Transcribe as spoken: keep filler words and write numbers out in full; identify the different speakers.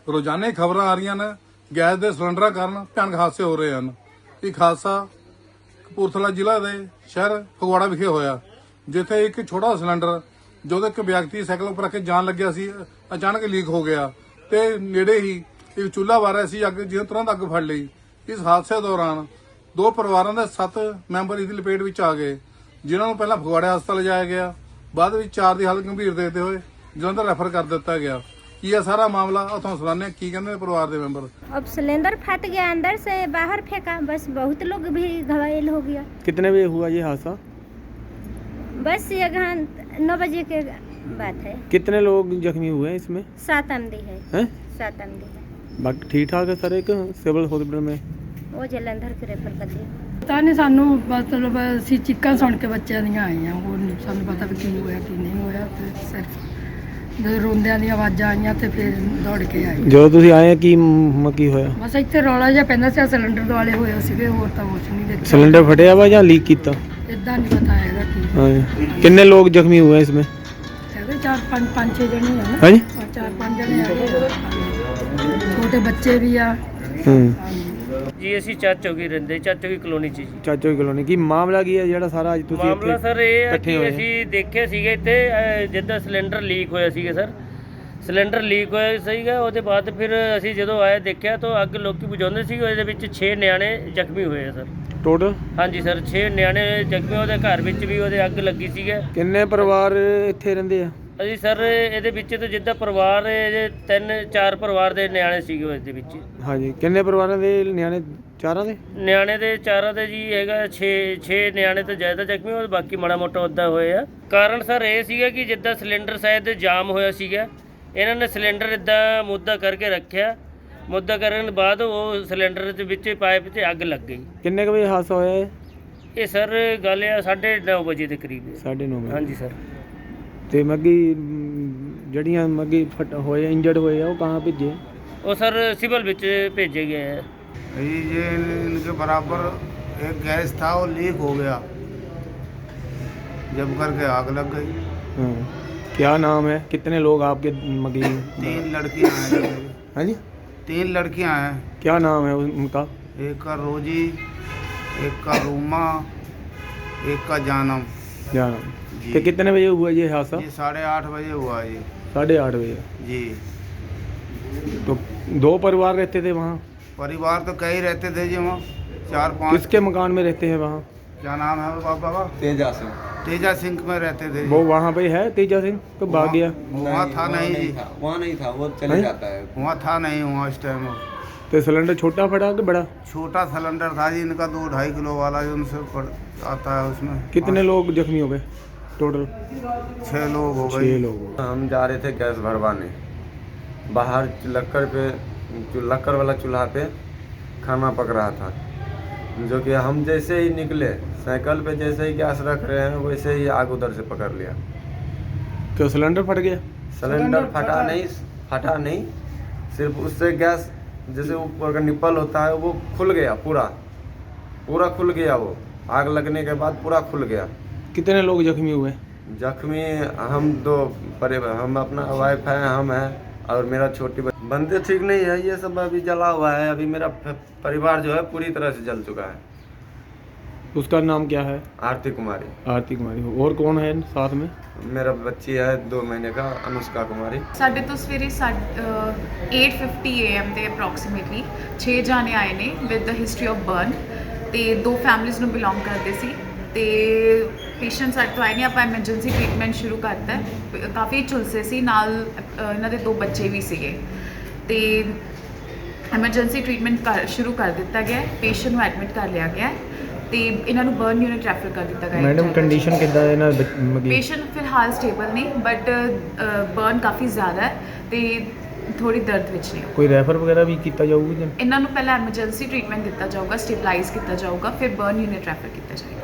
Speaker 1: ਰੋਜ਼ਾਨਾ ਖਬਰਾਂ ਆ ਰਹੀਆਂ ਨੇ ਗੈਸ ਦੇ ਸਿਲੰਡਰਾਂ ਕਾਰਨ ਭਿਆਨਕ ਹਾਦਸੇ ਹੋ ਰਹੇ ਹਨ। ਇੱਕ ਹਾਦਸਾ ਕਪੂਰਥਲਾ ਜ਼ਿਲ੍ਹਾ ਦੇ ਸ਼ਹਿਰ ਫਗਵਾੜਾ ਵਿਖੇ ਹੋਇਆ, ਜਿੱਥੇ ਇੱਕ ਛੋਟਾ ਸਿਲੰਡਰ ਜੋ ਇੱਕ ਵਿਅਕਤੀ ਸਾਈਕਲ ਉੱਪਰ ਰੱਖ ਕੇ ਜਾਣ ਲੱਗਿਆ ਸੀ, ਅਚਾਨਕ ਲੀਕ ਹੋ ਗਿਆ ਤੇ ਨੇੜੇ ਹੀ ਇੱਕ ਚੁੱਲ੍ਹਾ ਬਾਰਿਆ ਸੀ, ਅੱਗ ਜਿਹਨੇ ਤੁਰੰਤ ਅੱਗ ਫੜ ਲਈ। ਇਸ ਹਾਦਸੇ ਦੌਰਾਨ ਦੋ ਪਰਿਵਾਰਾਂ ਦੇ ਸੱਤ ਮੈਂਬਰ ਇਸ ਦੀ ਲਪੇਟ ਵਿੱਚ ਆ ਗਏ, ਜਿਨ੍ਹਾਂ ਨੂੰ ਪਹਿਲਾਂ ਫਗਵਾੜਾ ਹਸਪਤਾਲ ਲਿਜਾਇਆ ਗਿਆ, ਬਾਅਦ ਵਿੱਚ ਚਾਰ ਦੀ ਹਾਲਤ ਗੰਭੀਰ ਦੇਖਦੇ ਹੋਏ ਜਲੰਧਰ ਰੈਫਰ ਕਰ ਦਿੱਤਾ ਗਿਆ। ਕੀ ਇਹ ਸਾਰਾ मामला ਤੁਹਾਨੂੰ सुनाने की कहते हैं परिवार के मेंबर।
Speaker 2: अब सिलेंडर फट गया, अंदर से बाहर फेंका, बस बहुत लोग भी घायल हो गया।
Speaker 3: कितने बजे हुआ ये हादसा?
Speaker 2: बस ये नौ बजे के बात है।
Speaker 3: कितने लोग जख्मी हुए हैं इसमें?
Speaker 2: सात आमदी है,
Speaker 3: हैं?
Speaker 2: सात आमदी है।
Speaker 3: बाकी ठीक ठाक है सर? एक सिविल हॉस्पिटल में
Speaker 2: वो जलंधर के रेफर कर दिया।
Speaker 4: ਪਤਾ ਨਹੀਂ ਸਾਨੂੰ, ਮਤਲਬ ਅਸੀਂ ਚੀਕਾਂ ਸੁਣ ਕੇ ਬੱਚਿਆਂ ਦੀਆਂ ਆਈਆਂ, ਹੋਰ ਨਹੀਂ ਸਾਨੂੰ ਪਤਾ ਵੀ ਕੀ ਹੋਇਆ ਕੀ ਨਹੀਂ ਹੋਇਆ। ਤੇ ਸਿਰਫ ਜਦੋਂ ਰੋਂਦਿਆਂ ਦੀਆਂ ਆਵਾਜ਼ਾਂ ਆਈਆਂ ਤੇ ਫਿਰ ਦੌੜ ਕੇ ਆਏ।
Speaker 3: ਜਦੋਂ ਤੁਸੀਂ ਆਏ ਕੀ ਮ ਕੀ ਹੋਇਆ?
Speaker 4: ਬਸ ਇੱਥੇ ਰੌਲਾ ਜਿਹਾ ਪੈਂਦਾ ਸੀ, ਸਿਲੰਡਰ ਦੁਆਲੇ ਹੋਏ ਸੀਗੇ, ਹੋਰ ਤਾਂ ਕੁਛ ਨਹੀਂ ਦੇਖਿਆ।
Speaker 3: ਸਿਲੰਡਰ ਫਟਿਆ ਵਾ ਜਾਂ ਲੀਕ ਕੀਤਾ?
Speaker 4: ਇਦਾਂ ਨਹੀਂ ਪਤਾ ਹੈਗਾ ਕੀ।
Speaker 3: ਹਾਂ, ਕਿੰਨੇ ਲੋग जख्मी हुए हैं इसमें?
Speaker 4: ਹੈਗੇ ਚਾਰ ਪੰਜ ਪੰਜ ਛੇ ਜਣੇ ਆ ਨਾ।
Speaker 3: हाँ जी,
Speaker 4: ਚਾਰ ਪੰਜ ਜਣੇ ਹੈਗੇ, ਛੋਟੇ ਬੱਚੇ ਵੀ ਆ।
Speaker 3: ਹੂੰ
Speaker 5: ਜੀ ਅਸੀਂ ਚਾਚੋ ਕੀ ਰਹਿੰਦੇ, ਚਾਚੋ ਕੀ ਕਲੋਨੀ 'ਚ ਜੀ।
Speaker 3: ਚਾਚੋ की कॉलोनी की मामला की है ਜਿਹੜਾ ਸਾਰਾ ਅੱਜ ਤੁਸੀਂ
Speaker 5: ਮਾਮਲਾ ਸਰ ਇਹ ਹੈ
Speaker 3: ਇਕੱਠੇ
Speaker 5: ਕਿ
Speaker 3: ਹੋਏ?
Speaker 5: ਅਸੀਂ ਦੇਖਿਆ ਸੀਗਾ ਇੱਥੇ ਅਹ, ਜਿੱਦਾਂ ਸਿਲੰਡਰ ਲੀਕ ਹੋਇਆ ਸੀਗਾ ਸਰ, ਸਿਲੰਡਰ ਲੀਕ ਹੋਇਆ ਸੀਗਾ। ਉਹਦੇ ਬਾਅਦ ਫਿਰ ਅਸੀਂ ਜਦੋਂ ਆਏ ਦੇਖਿਆ ਤਾਂ ਅੱਗ ਲੋਕੀ ਬੁਝਾਉਂਦੇ ਸੀ, ਉਹਦੇ ਵਿੱਚ ਛੇ ਨਿਆਣੇ ਜ਼ਖਮੀ ਹੋਏ ਆ ਸਰ।
Speaker 3: ਟੋਟਲ
Speaker 5: ਹਾਂਜੀ ਸਰ, ਛੇ ਨਿਆਣੇ ਜ਼ਖਮੀ, ਉਹਦੇ ਘਰ ਵਿੱਚ ਵੀ ਉਹਦੇ ਅੱਗ ਲੱਗੀ ਸੀਗਾ।
Speaker 3: ਕਿੰਨੇ ਪਰਿਵਾਰ ਇੱਥੇ ਰਹਿੰਦੇ ਆ?
Speaker 5: ਅਸੀਂ ਸਰ ਇਹਦੇ ਵਿੱਚ ਤਾਂ ਜਿੱਦਾਂ ਪਰਿਵਾਰ ਇਹਦੇ ਤਿੰਨ ਚਾਰ ਪਰਿਵਾਰ ਦੇ ਨਿਆਣੇ ਸੀਗੇ ਉਹਦੇ ਵਿੱਚ।
Speaker 3: ਹਾਂਜੀ, ਕਿੰਨੇ ਪਰਿਵਾਰਾਂ ਦੇ ਨਿਆਣੇ? ਚਾਰਾਂ ਦੇ
Speaker 5: ਨਿਆਣੇ ਦੇ ਚਾਰਾਂ ਦੇ ਜੀ ਹੈਗਾ ਛੇ ਛੇ ਨਿਆਣੇ ਤੋਂ ਜ਼ਿਆਦਾ ਜ਼ਖਮੀ ਹੋਏ, ਬਾਕੀ ਮਾੜਾ ਮੋਟਾ ਉੱਦਾਂ ਹੋਏ ਆ। ਕਾਰਨ ਸਰ ਇਹ ਸੀਗਾ ਕਿ ਜਿੱਦਾਂ ਸਿਲੰਡਰ ਸ਼ਾਇਦ ਜਾਮ ਹੋਇਆ ਸੀਗਾ, ਇਹਨਾਂ ਨੇ ਸਿਲੰਡਰ ਇੱਦਾਂ ਮੁੱਦਾ ਕਰਕੇ ਰੱਖਿਆ, ਮੁੱਦਾ ਕਰਨ ਤੋਂ ਬਾਅਦ ਉਹ ਸਿਲੰਡਰ ਦੇ ਵਿੱਚ ਪਾਈਪ 'ਚ ਅੱਗ ਲੱਗ ਗਈ।
Speaker 3: ਕਿੰਨੇ ਕੁ ਵਜੇ ਹਾਦਸਾ ਹੋਇਆ ਹੈ?
Speaker 5: ਇਹ ਸਰ ਗੱਲ ਆ ਸਾਢੇ ਨੌ ਵਜੇ ਦੇ ਕਰੀਬ।
Speaker 3: ਸਾਢੇ ਨੌ ਵਜੇ।
Speaker 5: ਹਾਂਜੀ ਸਰ।
Speaker 3: ਤੇ ਮੱਗੀ ਮ, ਜਿਹੜੀਆਂ ਮੱਗੀ ਫਟ ਹੋਏ ਇੰਜਰਡ ਹੋਏ ਆ ਉਹ ਕਹਾਂ ਭੇਜੇ?
Speaker 5: ਉਹ ਸਰ ਸਿਵਲ ਵਿੱਚ ਭੇਜੇ ਗਏ ਹੈ।
Speaker 6: ये इनके बराबर एक गैस था, वो लीक हो गया, जब करके आग लग गई।
Speaker 3: हाँ, क्या नाम है? कितने लोग आपके मगी?
Speaker 6: तीन लड़कियां हैं।
Speaker 3: हाँ जी,
Speaker 6: तीन लड़कियां हैं।
Speaker 3: क्या नाम है उनका?
Speaker 6: एक का रोजी, एक का रूमा, एक का जानम।
Speaker 3: जानम।
Speaker 6: जी।
Speaker 3: तो कितने बजे हुआ ये हादसा?
Speaker 6: ये साढ़े आठ बजे हुआ ये।
Speaker 3: साढ़े आठ बजे।
Speaker 6: जी।
Speaker 3: तो दो परिवार रहते थे वहाँ?
Speaker 6: परिवार तो कई रहते थे जी, वहाँ चार पाँच।
Speaker 3: किसके मकान में रहते हैं वहाँ?
Speaker 6: क्या नाम है वो पापा का?
Speaker 7: तेजा सिंह।
Speaker 6: तेजा सिंह में रहते थे।
Speaker 3: वो वहाँ पे है तेजा सिंह तो भाग गया?
Speaker 6: वहाँ था नहीं जी,
Speaker 7: वहाँ नहीं था, वो चले
Speaker 3: हैं?
Speaker 7: जाता है।
Speaker 6: वहाँ था नहीं वहाँ इस टाइम।
Speaker 3: तो सिलेंडर छोटा फटा कि बड़ा?
Speaker 6: छोटा सिलेंडर था जी इनका, दो ढाई किलो वाला जो उनसे पड़ आता है उसमें।
Speaker 3: कितने लोग जख्मी हो गए टोटल?
Speaker 6: छः लोग हो
Speaker 3: छः
Speaker 6: गए।
Speaker 3: लोग हो गए।
Speaker 7: हम जा रहे थे गैस भरवाने, बाहर लक्कड़ पे जो लक्कड़ वाला चूल्हा पे खाना पक रहा था, जो कि हम जैसे ही निकले साइकिल पे जैसे ही गैस रख रहे हैं वैसे ही आग उधर से पकड़ लिया।
Speaker 3: तो सिलेंडर फट गया?
Speaker 7: सिलेंडर फटा नहीं, फटा नहीं, सिर्फ उससे गैस जैसे ऊपर का निप्पल होता है वो खुल गया, पूरा पूरा खुल गया। वो आग लगने के बाद पूरा खुल गया।
Speaker 3: कितने लोग जख्मी हुए?
Speaker 7: जख्मी हम दो परे, हम अपना वाइफ है, हम हैं और मेरा छोटी बंदे ठीक नहीं है, ये सब अभी जला हुआ है। अभी मेरा परिवार जो है पूरी तरह से जल चुका है।
Speaker 3: उसका नाम क्या है?
Speaker 7: आरती कुमारी।
Speaker 3: आरती कुमारी। और कौन है साथ में?
Speaker 7: मेरा बच्ची है दो महीने का, अनुष्का कुमारी।
Speaker 8: ਸਾਡੇ ਤੋਂ ਸਵੇਰੇ eight fifty A M ਦੇ ਅਪਰੋਕਸੀਮੇਟਲੀ ਛੇ ਜਾਣੇ ਆਏ ਨੇ with the history of burn, ਤੇ ਦੋ ਫੈਮਿਲੀਜ਼ ਨੂੰ ਬਿਲੋਂਗ ਕਰਦੇ ਸੀ। ਤੇ ਪੇਸ਼ੈਂਟ ਸਾਡੇ ਤੋਂ ਆਏ ਨੇ, ਆਪਾਂ ਐਮਰਜੈਂਸੀ ਟ੍ਰੀਟਮੈਂਟ ਸ਼ੁਰੂ ਕਰਤਾ ਹੈ। ਕਾਫੀ ਝੁਲਸੇ ਸੀ ਨਾਲ, ਅ, ਇਹਨਾਂ ਦੇ ਦੋ ਬੱਚੇ ਵੀ ਸੀਗੇ, ਤੇ ਐਮਰਜੈਂਸੀ ਟ੍ਰੀਟਮੈਂਟ ਕਰ ਸ਼ੁਰੂ ਕਰ ਦਿੱਤਾ ਗਿਆ। ਪੇਸ਼ੈਂਟ ਨੂੰ ਐਡਮਿਟ ਕਰ ਲਿਆ ਗਿਆ ਤੇ ਇਹਨਾਂ ਨੂੰ ਬਰਨ ਯੂਨਿਟ ਰੈਫਰ ਕਰ ਦਿੱਤਾ ਗਿਆ।
Speaker 3: ਮੈਡਮ ਕੰਡੀਸ਼ਨ ਕਿੱਦਾਂ ਹੈ ਇਹਨਾਂ ਮਗੀ?
Speaker 8: ਪੇਸ਼ੈਂਟ ਫਿਲਹਾਲ ਸਟੇਬਲ ਨੇ, ਬਟ ਬਰਨ ਕਾਫੀ ਜ਼ਿਆਦਾ ਹੈ ਤੇ ਥੋੜੀ ਦਰਦ ਵਿੱਚ ਨੇ।
Speaker 3: ਕੋਈ ਰੈਫਰ ਵਗੈਰਾ ਵੀ ਕੀਤਾ ਜਾਊਗਾ?
Speaker 8: ਇਹਨਾਂ ਨੂੰ ਪਹਿਲਾਂ ਐਮਰਜੈਂਸੀ ਟ੍ਰੀਟਮੈਂਟ ਦਿੱਤਾ ਜਾਊਗਾ, ਸਟੇਬਲਾਈਜ਼ ਕੀਤਾ ਜਾਊਗਾ, ਫਿਰ ਬਰਨ ਯੂਨਿਟ ਰੈਫਰ ਕੀਤਾ ਜਾਏਗਾ।